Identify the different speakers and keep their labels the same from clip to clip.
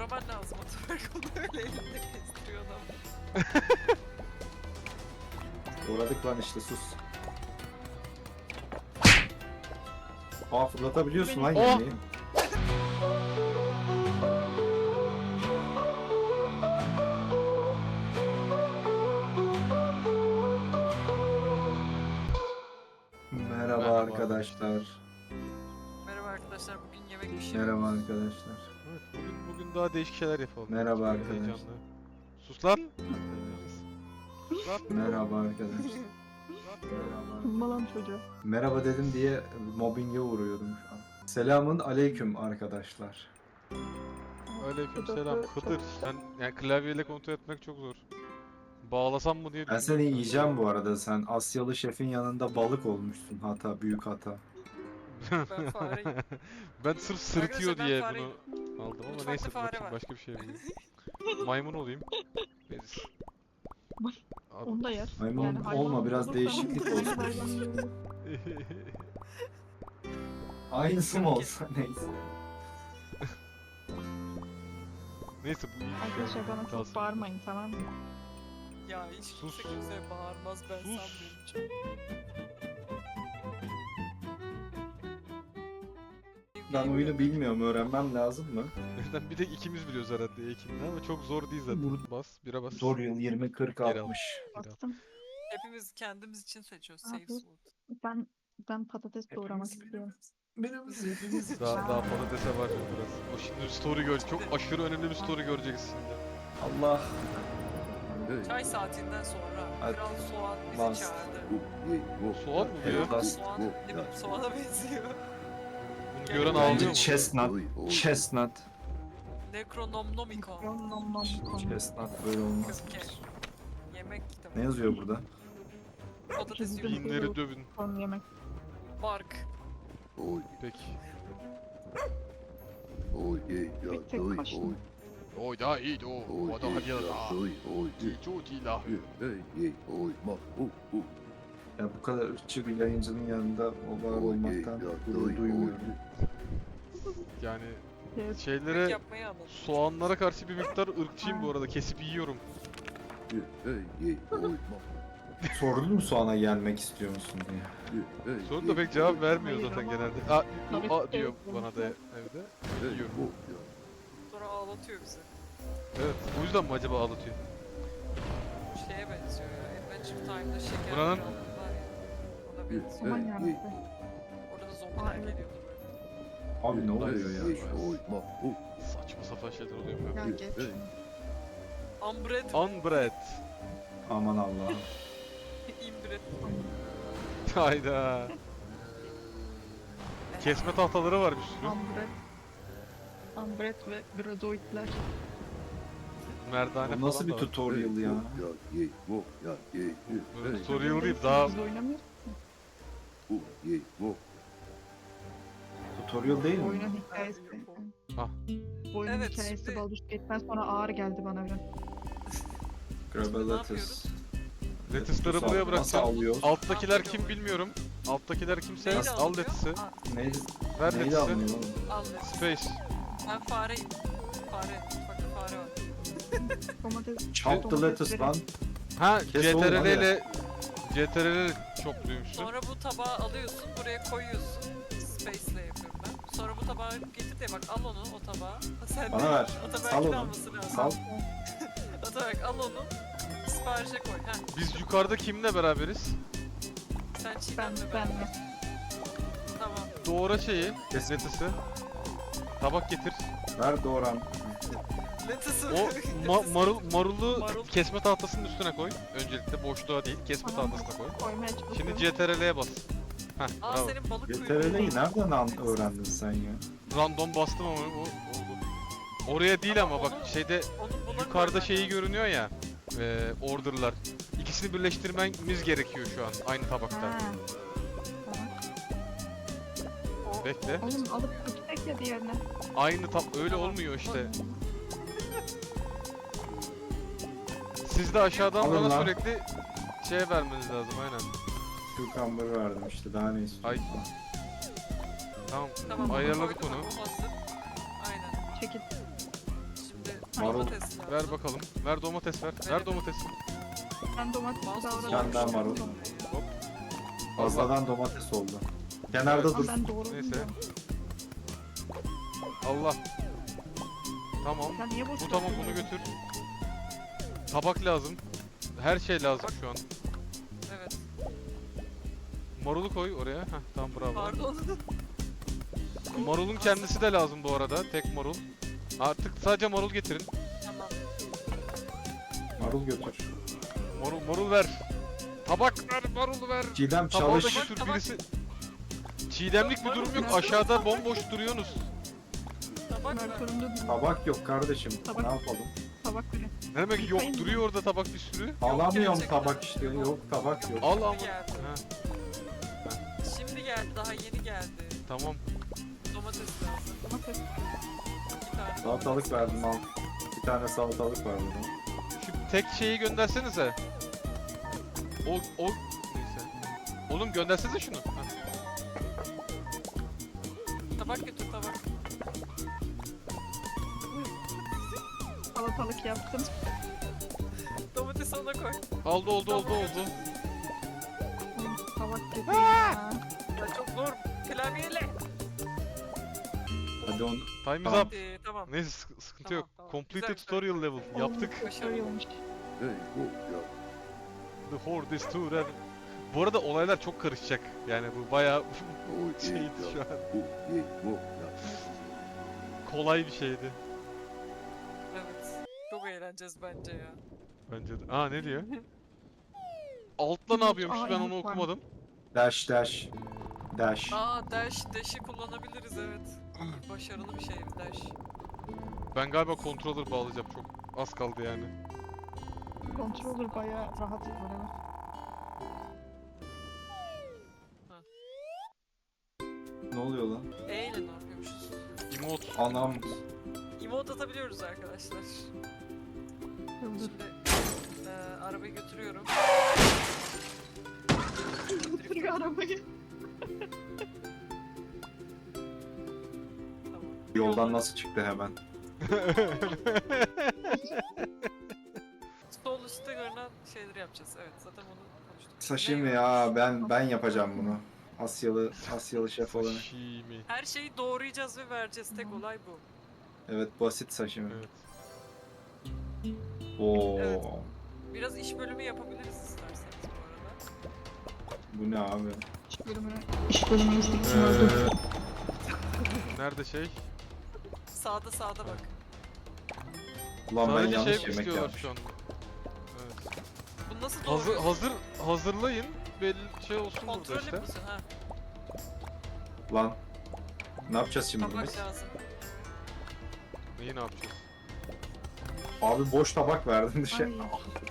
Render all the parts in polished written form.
Speaker 1: doğraman lazım Ataberk, onu öyle elinde kestiriyor adam.
Speaker 2: Doğradık lan işte, sus. Aa, fırlatabiliyorsun lan
Speaker 3: Oh!
Speaker 2: yemeği. Merhaba arkadaşlar.
Speaker 1: Merhaba arkadaşlar, bugün yemek pişiriyoruz.
Speaker 2: Merhaba arkadaşlar.
Speaker 3: Evet, bugün daha değişik şeyler yapalım.
Speaker 2: Merhaba
Speaker 3: Çok
Speaker 2: arkadaşlar.
Speaker 3: heyecanlı. Sus lan. Sus lan.
Speaker 2: Merhaba arkadaşlar. Merhaba.
Speaker 4: Malan çocuğa.
Speaker 2: Merhaba dedim diye mobbinge uğruyordum şu an. Selamun aleyküm arkadaşlar.
Speaker 3: Aleykümselam. Hıdır. Sen yani klavyeyle kontrol etmek çok zor. Bağlasam mı diye
Speaker 2: Ben
Speaker 3: düşünüyorum.
Speaker 2: seni yiyeceğim bu arada. Sen Asyalı şefin yanında balık olmuşsun. Hata, büyük hata.
Speaker 1: Ben fareyim.
Speaker 3: Ben sırf sırıtıyor
Speaker 1: Arkadaşlar, ben
Speaker 3: diye
Speaker 1: fareyim.
Speaker 3: bunu aldım ama
Speaker 1: Mutfakta
Speaker 3: neyse
Speaker 1: fare
Speaker 3: bakayım
Speaker 1: var.
Speaker 3: başka bir şey bulayım. Maymun olayım. Beriz. Abi.
Speaker 4: Onu da yer.
Speaker 2: Maymun olma, biraz
Speaker 4: olursa-
Speaker 2: değişiklik olsun. Aynısı mı olsa neyse.
Speaker 3: Neyse bu iyi.
Speaker 4: Arkadaşlar bana çok
Speaker 3: Kalsın.
Speaker 4: bağırmayın, tamam mı?
Speaker 1: Ya hiç
Speaker 3: Sus.
Speaker 1: kimse kimseye bağırmaz, ben
Speaker 3: Sus.
Speaker 1: sanmıyorum çok.
Speaker 2: Ben oyunu bilmiyorum, öğrenmem lazım mı?
Speaker 3: Zaten bir tek ikimiz biliyoruz herhalde Ekin'le ama çok zor değil zaten.
Speaker 2: Vur.
Speaker 3: Bas, bira bas.
Speaker 2: Zor yıl 20, 40,
Speaker 3: Geri al.
Speaker 2: 60.
Speaker 4: Bastım.
Speaker 1: Hepimiz kendimiz için seçiyoruz
Speaker 4: Ne
Speaker 1: safe
Speaker 4: yapıyorsun?
Speaker 1: food.
Speaker 4: Ben patates doğramak istiyorum.
Speaker 2: Hepimiz için.
Speaker 3: Daha patatese var biraz. O şimdi story görecek. Çok aşırı önemli bir story göreceksiniz şimdi.
Speaker 2: Allah.
Speaker 1: Çay saatinden sonra
Speaker 2: Hadi.
Speaker 1: Kral Soğan bizi
Speaker 2: Bas.
Speaker 1: çağırdı.
Speaker 3: Soğan mı bu ya?
Speaker 2: Evet, bas.
Speaker 1: Soğan, ne bileyim, soğana benziyor.
Speaker 3: Bunu gören
Speaker 2: Bence
Speaker 3: ağlıyor mu?
Speaker 2: chestnut. Chestnut.
Speaker 1: Necronomicon.
Speaker 4: Nom nom nom.
Speaker 2: Chestnut böyle olmaz.
Speaker 1: Köke. Yemek kitabı.
Speaker 2: Ne yazıyor burada?
Speaker 1: Patates
Speaker 4: Çizdim.
Speaker 1: yiyor.
Speaker 3: Binleri dövün.
Speaker 4: Son yemek.
Speaker 1: Bark.
Speaker 3: Peki.
Speaker 4: Bir tek kaşın.
Speaker 3: Oy da iyi de o da hadi ya da. Çok iyi la.
Speaker 2: Ya bu kadar ırkçı bir yayıncının yanında o var olmaktan gurur duymuyorum.
Speaker 3: Yani
Speaker 4: Evet.
Speaker 3: şeylere
Speaker 1: Yemek yapmayı anladım.
Speaker 3: soğanlara karşı bir miktar ırkçıyım bu arada. Kesip yiyorum.
Speaker 2: Sordun mu soğana gelmek istiyor musun diye.
Speaker 3: Sorun da pek cevap vermiyor
Speaker 4: Hayır
Speaker 3: zaten
Speaker 4: ama-
Speaker 3: genelde. A diyor bana da evde. Yiyorum.
Speaker 1: Sonra ağlatıyor bizi.
Speaker 3: Evet. O yüzden mi acaba ağlatıyor?
Speaker 1: Bu şeye benziyor ya. Adventure Time'da şeker
Speaker 3: Buranın-
Speaker 1: krallığı var ya. Ona benziyor.
Speaker 4: Aman yarabbim.
Speaker 1: Orada da
Speaker 4: Aa,
Speaker 1: zombiler
Speaker 4: evet.
Speaker 1: geliyordu böyle.
Speaker 2: Abi ne oluyor ya?
Speaker 3: Saçma sapan şeyler oluyor mu?
Speaker 4: Ya geç.
Speaker 1: Unbred.
Speaker 3: Unbread.
Speaker 2: Aman Allah'ım.
Speaker 1: Inbred.
Speaker 3: Hayda. Kesme tahtaları var bir sürü.
Speaker 4: Ambret. Ambret ve gradoidler.
Speaker 3: Merdane
Speaker 2: Bu nasıl
Speaker 3: falan
Speaker 2: bir
Speaker 3: da var.
Speaker 2: tutorial ya?
Speaker 3: Böyle tutorial değil daha
Speaker 4: Biz oynamıyoruz.
Speaker 2: Tutorial değil mi?
Speaker 4: Oyunun hikayesi.
Speaker 3: Ah.
Speaker 4: Bu oyunun
Speaker 1: Evet,
Speaker 4: hikayesi
Speaker 1: şimdi-
Speaker 4: Baldur's Gate'den sonra ağır geldi bana biraz.
Speaker 2: Grabalatus.
Speaker 3: lettuce'ları
Speaker 2: Nasıl-
Speaker 3: buraya
Speaker 2: Nasıl
Speaker 3: bırakacağım.
Speaker 2: alıyoruz?
Speaker 3: Alttakiler kim bilmiyorum. Alttakiler kimse
Speaker 1: Neyle
Speaker 3: al
Speaker 1: alınıyor?
Speaker 3: lettuce'ı.
Speaker 1: Aa,
Speaker 2: Neydi?
Speaker 3: Ver
Speaker 2: Neydi
Speaker 3: lettuce'ı.
Speaker 2: alınıyor oğlum?
Speaker 1: al lettuce.
Speaker 3: Space.
Speaker 1: Ben fareyim. Fare. Mutfakta fare var.
Speaker 4: Domates.
Speaker 2: Chop the lettuce lan.
Speaker 3: Ha
Speaker 2: Kes oğlum,
Speaker 3: CTRL
Speaker 2: hadi.
Speaker 3: ile CTRL çok duymuştum.
Speaker 1: Sonra bu tabağı alıyorsun, buraya koyuyorsun. Space'le yapıyorum ben. Sonra bu tabağı getir de bak, al onu, o tabağı. Sen
Speaker 2: Bana ver.
Speaker 1: Ataberk'in
Speaker 2: Sal onu.
Speaker 1: alması lazım.
Speaker 2: Sal.
Speaker 1: Ataberk al onu. Siparişe koy. Heh,
Speaker 3: Biz yukarıda kimle beraberiz?
Speaker 1: sen
Speaker 4: Ben,
Speaker 1: çiğnenle
Speaker 4: ben
Speaker 1: beraber.
Speaker 4: mi?
Speaker 1: Tamam.
Speaker 3: Doğra şeyi,
Speaker 2: Kes.
Speaker 3: lettuce'ı. Tabak getir.
Speaker 2: Ver doğran.
Speaker 1: Lettuce'ı
Speaker 3: O marulu
Speaker 1: Marul.
Speaker 3: kesme tahtasının üstüne koy. Öncelikle boşluğa değil, kesme
Speaker 4: Tamam.
Speaker 3: tahtasına koy.
Speaker 4: Koymaya çalışıyorum.
Speaker 3: Şimdi CTRL'ye bas. Heh,
Speaker 1: Aa,
Speaker 3: bravo.
Speaker 1: senin balık kuyruğu.
Speaker 2: GTRL'yi nereden öğrendin sen ya?
Speaker 3: Random bastım ama o oldu. Oraya değil ama bak şeyde
Speaker 1: Onu buna
Speaker 3: yukarıda
Speaker 1: koy
Speaker 3: şeyi görünüyor ya. Order'lar. İkisini birleştirmemiz gerekiyor şu an aynı tabakta.
Speaker 4: Ha. Tamam.
Speaker 3: Bekle.
Speaker 4: Oğlum alıp gitsek ya diğerine.
Speaker 3: Aynı öyle
Speaker 1: Tamam.
Speaker 3: olmuyor işte. Siz de aşağıdan
Speaker 2: Alın
Speaker 3: bana
Speaker 2: lan.
Speaker 3: sürekli şey vermeniz lazım aynen.
Speaker 2: Cucumber verdim işte, daha ne istiyorsun?
Speaker 3: Ay. Tamam.
Speaker 1: Tamam,
Speaker 3: Ayarladık
Speaker 1: koydum,
Speaker 3: onu.
Speaker 1: o hazır. Aynen.
Speaker 4: Çekil.
Speaker 1: Şimdi
Speaker 2: Marul.
Speaker 1: Domates lazım.
Speaker 3: Ver bakalım. Ver domates ver. Ver
Speaker 1: Verelim.
Speaker 3: domates.
Speaker 4: Ben domates
Speaker 1: Mouse
Speaker 4: davranıyorum.
Speaker 2: Sen daha marul.
Speaker 3: Hop.
Speaker 2: Fazladan domates oldu. Kenarda
Speaker 4: Ama
Speaker 2: dur.
Speaker 4: ben doğru
Speaker 3: Neyse.
Speaker 4: bilmiyorum.
Speaker 3: Allah. Tamam.
Speaker 4: Sen niye boş
Speaker 3: Bu tamam, bunu
Speaker 4: bırakıyorsun?
Speaker 3: götür. Tabak lazım. Her şey lazım şu an.
Speaker 1: Evet.
Speaker 3: Marulu koy oraya. Heh, tamam bravo.
Speaker 1: Pardon.
Speaker 3: Marulun kendisi de lazım bu arada. Tek marul. Artık sadece marul getirin.
Speaker 1: Tamam.
Speaker 2: Marul götür.
Speaker 3: Marul ver. Tabak ver, marulu ver.
Speaker 2: Çiğdem
Speaker 3: Tabağı da
Speaker 2: çalış.
Speaker 3: götür
Speaker 1: Tabak.
Speaker 3: birisi. Çiğdemlik bir durum yok. Aşağıda bomboş duruyorsunuz.
Speaker 1: Tabak
Speaker 4: Ben
Speaker 1: ver.
Speaker 4: sorumlu değilim.
Speaker 2: Tabak yok kardeşim.
Speaker 4: Tabak.
Speaker 2: Ne yapalım?
Speaker 4: Tabak bile.
Speaker 3: Ne demek yok,
Speaker 4: Yıkayın.
Speaker 3: duruyor orada tabak bir sürü.
Speaker 2: Alamıyorum
Speaker 1: gerçekten.
Speaker 2: tabak işte. Yok tabak yok.
Speaker 3: Al ama.
Speaker 1: Şimdi geldi.
Speaker 3: Ha,
Speaker 1: Şimdi geldi. Daha yeni geldi.
Speaker 3: tamam.
Speaker 1: Domates lazım.
Speaker 4: Domates.
Speaker 1: Bir tane
Speaker 2: Salatalık verdim al. Bir tane salatalık verdim.
Speaker 3: Şu tek şeyi göndersenize. O neyse. Oğlum göndersenize şunu. Ha.
Speaker 1: Tabak götür tabak.
Speaker 4: Salatalık yaptım.
Speaker 1: Domatesi ona koy.
Speaker 3: Oldu.
Speaker 4: Tabak getireyim ya.
Speaker 1: Ya çok zor. Klavyeyle.
Speaker 2: Hadi onu.
Speaker 3: Time is
Speaker 2: Tamam.
Speaker 3: up.
Speaker 1: Tamam.
Speaker 3: Neyse sıkıntı
Speaker 1: Tamam,
Speaker 3: yok.
Speaker 1: tamam.
Speaker 3: Completed
Speaker 1: Güzel,
Speaker 3: tutorial level. Yaptık.
Speaker 4: Başarılı olmuş.
Speaker 3: The horde is too red. Bu arada olaylar çok karışacak. Yani bu bayağı şeydi şu an. Kolay bir şeydi.
Speaker 1: Evet. Çok eğleneceğiz bence ya.
Speaker 3: Bence de. Aa ne diyor? Altta ne yapıyormuş ben onu
Speaker 4: Yumurta var.
Speaker 3: okumadım.
Speaker 2: Dash dash. Dash.
Speaker 1: Aa dash'i kullanabiliriz evet. Başarılı bir şey dash.
Speaker 3: Ben galiba controller bağlayacağım, çok az kaldı yani.
Speaker 4: Controller bayağı rahat var evet.
Speaker 2: Ne oluyor lan?
Speaker 1: E ile ne yapıyormuşuz?
Speaker 3: Emote.
Speaker 2: Anam.
Speaker 1: Emote atabiliyoruz arkadaşlar.
Speaker 4: Hızlı.
Speaker 1: Şimdi arabayı götürüyorum.
Speaker 4: Götürüyor arabayı.
Speaker 1: Tamam.
Speaker 2: Yoldan nasıl çıktı hemen?
Speaker 1: Sol üstte görünen şeyleri yapacağız. Evet zaten onu konuştuk.
Speaker 2: Sashimi
Speaker 1: Ne
Speaker 2: ya ben yapacağım bunu. Asyalı şef olarak.
Speaker 3: Sashimi.
Speaker 1: Her şeyi doğrayacağız ve vereceğiz. Tek olay bu.
Speaker 2: Evet basit sashimi.
Speaker 3: Evet.
Speaker 2: Oo.
Speaker 1: Evet. Biraz iş bölümü yapabiliriz isterseniz bu arada.
Speaker 2: Bu ne abi?
Speaker 4: İş bölümü izledim. öldüm.
Speaker 3: Nerede şey?
Speaker 1: Sağda bak.
Speaker 2: Ulan ben
Speaker 3: Sadece
Speaker 2: yanlış
Speaker 3: şey
Speaker 2: yemek
Speaker 3: istiyorlar
Speaker 2: yapmışım.
Speaker 3: şu an. Evet.
Speaker 1: Bu nasıl doğruyorsun?
Speaker 3: Hazırlayın. Belli şey olsun burada
Speaker 1: Kontrol
Speaker 3: işte.
Speaker 1: yapıyorsun ha.
Speaker 2: Lan. Ne yapacağız şimdi
Speaker 1: Tabak
Speaker 2: biz?
Speaker 1: lazım.
Speaker 3: Neyi ne yapacağız?
Speaker 2: Abi boş tabak verdin dışarı.
Speaker 4: Ay.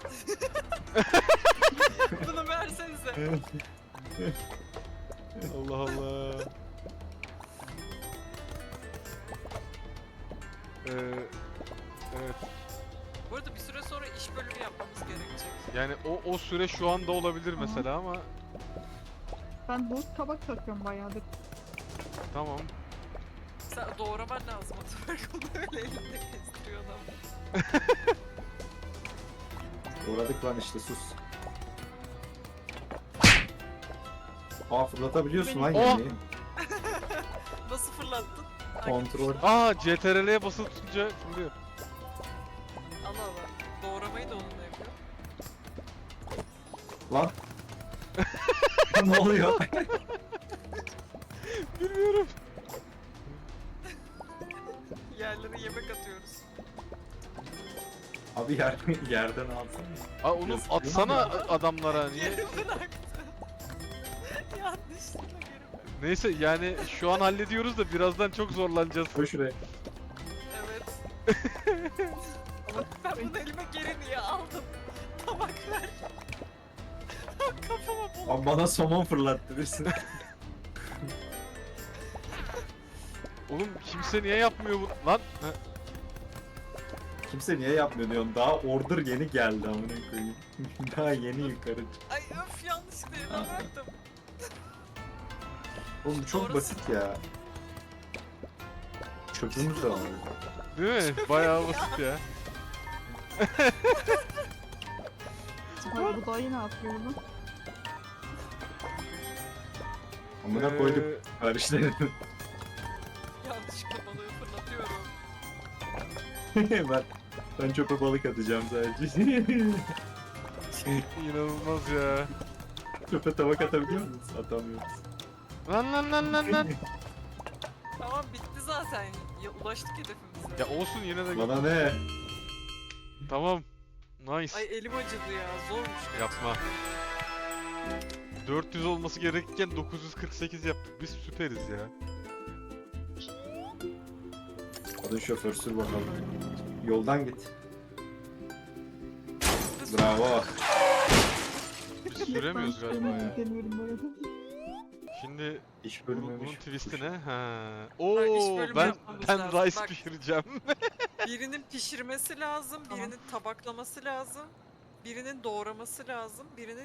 Speaker 1: Bunu versenize.
Speaker 3: Allah Allah. Evet.
Speaker 1: Bu arada bir süre sonra iş bölümü yapmamız gerekecek.
Speaker 3: Yani o süre şu anda olabilir mesela ama
Speaker 4: Ben bu tabak takıyorum bayağıdır.
Speaker 3: tamam.
Speaker 1: Sen doğraman lazım o tabak. Onu öyle elinde kestiriyor adam.
Speaker 2: Uğradık lan işte sus. Aa fırlatabiliyorsun lan
Speaker 3: Oh!
Speaker 2: yemeği.
Speaker 1: Nasıl fırlattın?
Speaker 2: Kontrol.
Speaker 3: Aa CTRL'ye basılı tutunca fırlıyor.
Speaker 1: Allah Allah. Doğramayı da onunla yapıyor.
Speaker 2: Lan. Ne oluyor?
Speaker 3: Bilmiyorum.
Speaker 1: Yerlere yemek atıyoruz.
Speaker 2: Abi yerden alsana.
Speaker 3: Aa onu
Speaker 2: Yazık.
Speaker 3: atsana adamlara niye?
Speaker 1: Geri bıraktı. Yanlışlıkla geri bıraktı.
Speaker 3: Neyse yani şu an hallediyoruz da birazdan çok zorlanacağız.
Speaker 2: Koy şuraya.
Speaker 1: Evet. Ben bunu elime geri niye aldım? Tabak ver. Kafama bul.
Speaker 2: Abi bana somon fırlattı birisi.
Speaker 3: Oğlum kimse niye yapmıyor bu lan? Ha,
Speaker 2: Kimse niye yapmıyor diyorsun. Daha order yeni geldi amına koyayım. Daha yeni yukarı çıktı.
Speaker 1: Ay öf yanlışlıkla elime bıraktım.
Speaker 2: Oğlum çok
Speaker 1: Doğrusu-
Speaker 2: basit ya. Çöpümüz de var.
Speaker 3: Değil mi? Bayağı basit ya.
Speaker 4: Hayır bu dayı ne yapıyor bunu?
Speaker 2: Amına koyduk kardeşlerim.
Speaker 1: Yanlışlıkla balığı fırlatıyorum.
Speaker 2: ben çöpe balık atacağım sadece.
Speaker 3: İnanılmaz ya.
Speaker 2: Çöpe tabak atabiliyor musun? Atamıyoruz.
Speaker 3: Lan.
Speaker 1: Tamam bitti zaten. Ya, ulaştık hedefimize.
Speaker 3: Ya olsun yine de.
Speaker 2: Bana ne?
Speaker 3: Tamam. Nice.
Speaker 1: Ay elim acıdı ya. Zormuş.
Speaker 3: Yapma. 400 olması gerekirken 948 yaptık. Biz süperiz ya.
Speaker 2: Hadi şoför sür bakalım. Yoldan git. Bravo.
Speaker 3: Biz süremiyoruz galiba ya.
Speaker 4: Deniyorum bu arada.
Speaker 3: Şimdi
Speaker 2: İş
Speaker 3: bunun
Speaker 2: bölmemiş.
Speaker 3: twist'i ne? Ha.
Speaker 1: Bak, iş
Speaker 3: Oo,
Speaker 1: bölümü
Speaker 3: ben
Speaker 1: yapmamız
Speaker 3: ben
Speaker 1: lazım.
Speaker 3: rice
Speaker 1: Bak.
Speaker 3: pişireceğim.
Speaker 1: Birinin pişirmesi lazım,
Speaker 4: Tamam.
Speaker 1: birinin tabaklaması lazım, birinin doğraması lazım, birinin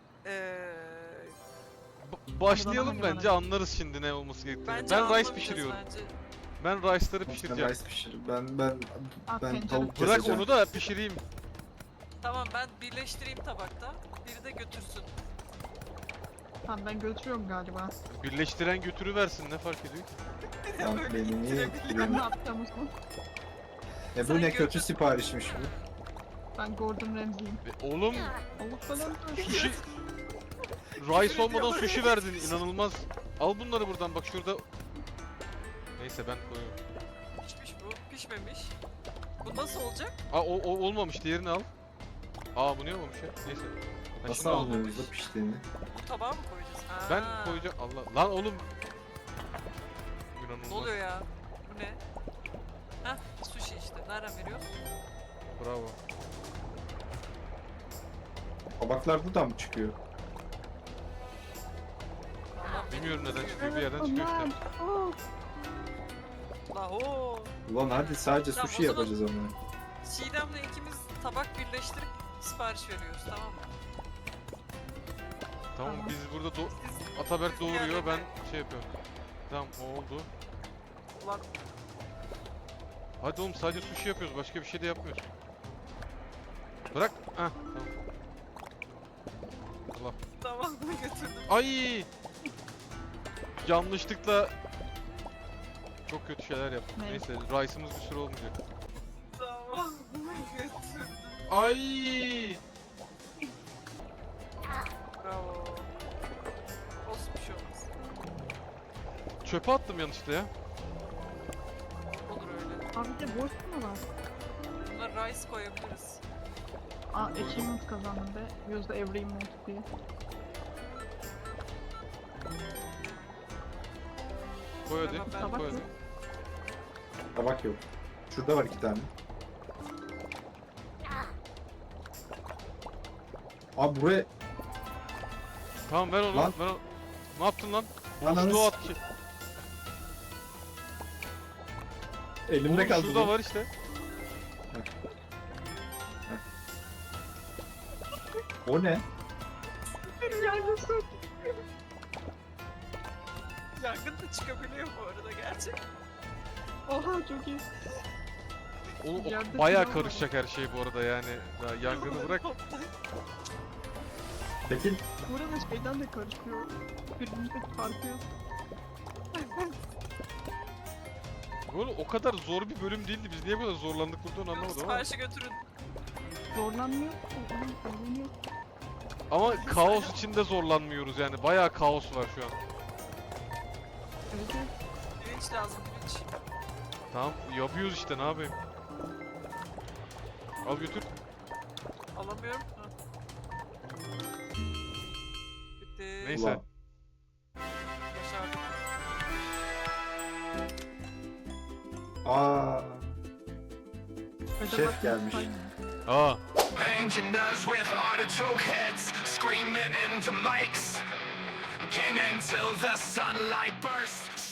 Speaker 3: Başlayalım
Speaker 4: Bana
Speaker 3: bence anlarız şimdi ne olması gerektiğini.
Speaker 1: bence
Speaker 3: Ben rice
Speaker 1: anlamayacağız
Speaker 3: pişiriyorum.
Speaker 1: bence.
Speaker 3: Ben rice'ları
Speaker 2: Sen
Speaker 3: pişireceğim.
Speaker 2: rice pişir. Ben
Speaker 4: Tencere.
Speaker 2: tavuk
Speaker 3: Bırak
Speaker 2: keseceğim.
Speaker 3: onu da pişireyim.
Speaker 1: Tamam ben birleştireyim tabakta, biri de götürsün.
Speaker 4: Tamam ben götürüyorum galiba.
Speaker 3: Birleştiren götürüversin ne fark ediyor?
Speaker 2: Lan
Speaker 1: Böyle
Speaker 2: beni niye
Speaker 1: ittirebiliyor.
Speaker 4: Ben ne
Speaker 2: etkilemiyor?
Speaker 4: yapacağım o zaman?
Speaker 2: Bu
Speaker 1: Sen
Speaker 2: ne
Speaker 1: götür.
Speaker 2: kötü siparişmiş bu.
Speaker 4: Ben Gordon Ramsay'im.
Speaker 3: Oğlum
Speaker 4: Allah falan
Speaker 3: sushi... Rice olmadan sushi verdin inanılmaz. Al bunları buradan bak şurada. Neyse ben koyuyorum.
Speaker 1: Pişmiş bu, pişmemiş. Bu nasıl olacak?
Speaker 3: Aa o olmamış diğerini al. Aa bu niye olmamış ya? Neyse. Ben
Speaker 2: Nasıl
Speaker 3: şimdi aldım.
Speaker 2: anlıyoruz da piştiğini?
Speaker 1: Bu tabağa mı koyacağız? Ha.
Speaker 3: Ben koyacağım. Allah. Lan oğlum. İnanılmaz.
Speaker 1: Ne oluyor ya? Bu ne? Heh, sushi işte. Nereden veriyorsun?
Speaker 3: Bravo.
Speaker 2: Tabaklar buradan mı çıkıyor?
Speaker 1: Allah
Speaker 3: Bilmiyorum neden çıkıyor bir yerden çıkıyor
Speaker 4: Aman.
Speaker 3: işte.
Speaker 4: Oh.
Speaker 1: Laho.
Speaker 2: Ulan hadi sadece
Speaker 1: Tamam,
Speaker 2: sushi
Speaker 1: o zaman-
Speaker 2: yapacağız ama.
Speaker 1: Çiğdem'le ikimiz tabak birleştirip sipariş veriyoruz tamam mı?
Speaker 3: Tamam
Speaker 4: Tamam.
Speaker 3: biz burada
Speaker 1: Siz,
Speaker 3: Ataberk
Speaker 1: siz
Speaker 3: doğuruyor
Speaker 1: diğerlerine-
Speaker 3: ben şey yapıyorum. Tamam o oldu.
Speaker 1: Ulan
Speaker 3: Hadi oğlum sadece sushi yapıyoruz başka bir şey de yapmıyoruz. Bırak. Heh tamam. Allah.
Speaker 1: tamam götürdüm.
Speaker 3: Ay! Yanlışlıkla çok kötü şeyler yaptık.
Speaker 4: Ne?
Speaker 3: Neyse rice'ımız bir sürü olmayacak.
Speaker 1: Tamam götürdüm.
Speaker 3: Ay!
Speaker 1: Bravo. Olsun bir şey olmaz.
Speaker 3: Çöpe attım yanlışlıkla ya.
Speaker 1: Olur öyle.
Speaker 4: Abi de boş mu var?
Speaker 1: Buna rice koyabiliriz.
Speaker 4: Aa achievement kazandım be. Use the every emote diye.
Speaker 3: Koy hadi.
Speaker 1: Tamam, ben
Speaker 4: Tabak
Speaker 3: Koy
Speaker 4: mı?
Speaker 3: hadi.
Speaker 2: Tabak yok. Şurada var 2 tane. Abi buraya
Speaker 3: Tamam ver onu.
Speaker 2: Lan.
Speaker 3: Ver onu. Ne yaptın lan?
Speaker 2: Ananı
Speaker 3: Boşluğa
Speaker 2: s-
Speaker 3: at ki.
Speaker 2: elimde
Speaker 3: Oğlum
Speaker 2: kaldı.
Speaker 3: şurada
Speaker 2: bu.
Speaker 3: var işte.
Speaker 2: O ne?
Speaker 4: Yargısın.
Speaker 1: Yangın da çıkabiliyor bu arada gerçek.
Speaker 4: Oha çok iyi.
Speaker 3: Oğlum
Speaker 4: Yerde
Speaker 3: bayağı
Speaker 4: silah var.
Speaker 3: karışacak her şey bu arada yani. Daha yangını bırak.
Speaker 2: Peki
Speaker 4: Burada şeyden de karışıyor. Birbirimize çarpıyor.
Speaker 3: Oğlum o kadar zor bir bölüm değildi. Biz niye bu kadar zorlandık burada onu anlamadım ama.
Speaker 1: Siparişi götürün.
Speaker 4: Zorlanmıyor. Zorlanıyor.
Speaker 3: Ama kaos içinde zorlanmıyoruz yani. Bayağı kaos var şu an.
Speaker 4: Evet evet.
Speaker 1: Pirinç lazım pirinç.
Speaker 3: Tamam yapıyoruz işte ne yapayım. Al götür.
Speaker 1: Alamıyorum. Ha. Bitti.
Speaker 3: Neyse.
Speaker 2: ulan.
Speaker 1: Başardık.
Speaker 2: Aa,
Speaker 4: Acaba
Speaker 2: Şef gelmiş.
Speaker 3: Aa.
Speaker 5: Engineers with artichoke heads screaming into mics. King until the sunlight bursts.